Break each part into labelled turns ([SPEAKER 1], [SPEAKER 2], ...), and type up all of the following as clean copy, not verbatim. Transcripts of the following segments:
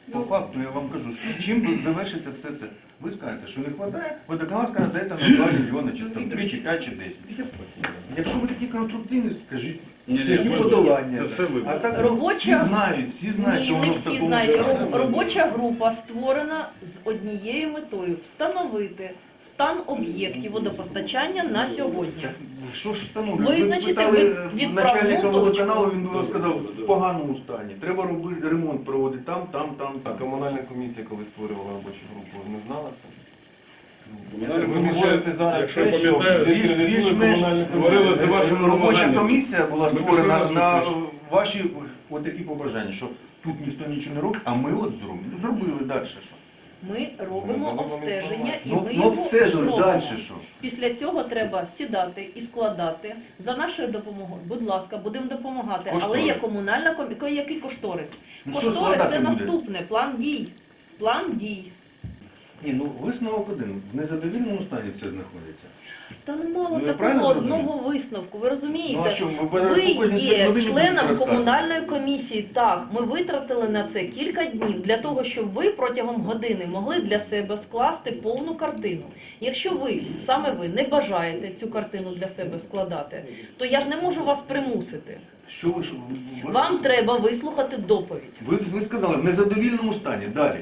[SPEAKER 1] по факту я вам кажу, що чим завершиться все це. Ви скажете, що не вистачає, водоканал скаже, дайте нам 2 мільйони, чи там 3, чи 5, чи 10. Якщо ви такі конструктивні, скажіть, шляхи подолання. А так всі знають, що
[SPEAKER 2] Ні,
[SPEAKER 1] воно
[SPEAKER 2] не
[SPEAKER 1] в
[SPEAKER 2] всі
[SPEAKER 1] такому
[SPEAKER 2] знають.
[SPEAKER 1] стані.
[SPEAKER 2] Робоча група створена з однією метою – встановити стан об'єктів водопостачання на сьогодні.
[SPEAKER 1] Що ж встановлюють? Ви
[SPEAKER 2] Визначити
[SPEAKER 1] спитали
[SPEAKER 2] відправну
[SPEAKER 1] начальника
[SPEAKER 2] точку.
[SPEAKER 1] водоканалу, він вам сказав, в поганому стані. Треба робити ремонт проводити там.
[SPEAKER 3] А комунальна комісія, коли створювала робочу групу, не знала це?
[SPEAKER 4] Комунальна
[SPEAKER 3] Ви
[SPEAKER 4] комісія,
[SPEAKER 3] говорите зараз
[SPEAKER 4] якщо
[SPEAKER 3] те, що
[SPEAKER 4] пам'ятаєте,
[SPEAKER 3] дискредитує комунальну
[SPEAKER 4] створила за вашим
[SPEAKER 1] робоча
[SPEAKER 4] головуванням.
[SPEAKER 1] комісія була
[SPEAKER 4] Ми
[SPEAKER 1] створена
[SPEAKER 4] пішли
[SPEAKER 1] на
[SPEAKER 4] на зустріч.
[SPEAKER 1] ваші отакі побажання, що тут ніхто нічого не робить, а ми от зробили далі що.
[SPEAKER 2] Ми робимо обстеження і ми
[SPEAKER 1] Ну
[SPEAKER 2] його
[SPEAKER 1] обстежили
[SPEAKER 2] зробимо.
[SPEAKER 1] далі що.
[SPEAKER 2] Після цього треба сідати і складати. За нашою допомогою, будь ласка, будемо допомагати.
[SPEAKER 1] Кошторис.
[SPEAKER 2] Але є комунальна комісія. Який кошторис?
[SPEAKER 1] Ну, що
[SPEAKER 2] Кошторис
[SPEAKER 1] складати
[SPEAKER 2] це
[SPEAKER 1] буде?
[SPEAKER 2] наступне, план дій. План дій.
[SPEAKER 1] Ні, ну висновок один. В незадовільному стані все знаходиться.
[SPEAKER 2] Та ну мало
[SPEAKER 1] Ну, я правильно
[SPEAKER 2] такого
[SPEAKER 1] зрозумів?
[SPEAKER 2] одного висновку. Ви розумієте?
[SPEAKER 1] Ну, а що, ви
[SPEAKER 2] Ви
[SPEAKER 1] по кожній
[SPEAKER 2] є
[SPEAKER 1] людині
[SPEAKER 2] членом
[SPEAKER 1] будете розказувати?
[SPEAKER 2] комунальної комісії. Так, ми витратили на це кілька днів для того, щоб ви протягом години могли для себе скласти повну картину. Якщо ви, саме ви, не бажаєте цю картину для себе складати, то я ж не можу вас примусити.
[SPEAKER 1] Що ви,
[SPEAKER 2] Вам треба вислухати доповідь.
[SPEAKER 1] ви сказали, в незадовільному стані. Далі.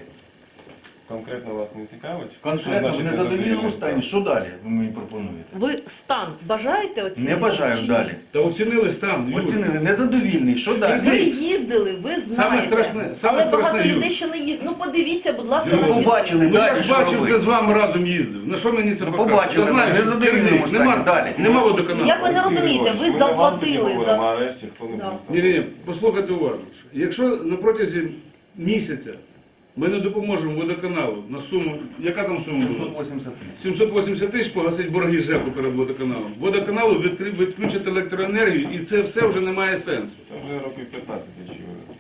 [SPEAKER 3] Конкретно вас не цікавить?
[SPEAKER 1] Конкретно в
[SPEAKER 3] Що значить
[SPEAKER 1] незадовільному стані. Що далі ви мені пропонуєте?
[SPEAKER 2] Ви стан бажаєте оцінити?
[SPEAKER 1] Не бажаю
[SPEAKER 2] чи ні?
[SPEAKER 1] далі.
[SPEAKER 4] Та оцінили стан, Юрій.
[SPEAKER 1] Оцінили незадовільний. Що
[SPEAKER 2] Ви
[SPEAKER 1] далі?
[SPEAKER 2] їздили, ви знаєте.
[SPEAKER 4] Саме страшне,
[SPEAKER 2] Але багато
[SPEAKER 4] Юрій.
[SPEAKER 2] людей ще не їздять. Ну подивіться, будь ласка,
[SPEAKER 4] Юрій,
[SPEAKER 2] на світ.
[SPEAKER 1] побачили.
[SPEAKER 4] Ну я
[SPEAKER 1] Далі
[SPEAKER 4] ж
[SPEAKER 1] що
[SPEAKER 4] бачив
[SPEAKER 1] робити?
[SPEAKER 4] це з вами разом їздив. На що мені це
[SPEAKER 1] Ну,
[SPEAKER 4] показує?
[SPEAKER 1] побачили,
[SPEAKER 4] Ти знаєш,
[SPEAKER 1] не задовільному
[SPEAKER 4] керівник,
[SPEAKER 1] стані. Далі.
[SPEAKER 4] нема водоканалу.
[SPEAKER 2] Як ви не розумієте, ви заплатили за...
[SPEAKER 3] А решті хто не
[SPEAKER 2] Да.
[SPEAKER 3] буде.
[SPEAKER 4] Ні, послухайте уважно. Якщо на протязі місяця ми не допоможемо водоканалу на суму, яка там сума була?
[SPEAKER 1] 780 тисяч.
[SPEAKER 4] 780 тисяч погасить борги ЖЕКу перед водоканалом. Водоканалу відключать електроенергію і це все вже не має сенсу.
[SPEAKER 3] Це вже років 15 я чую.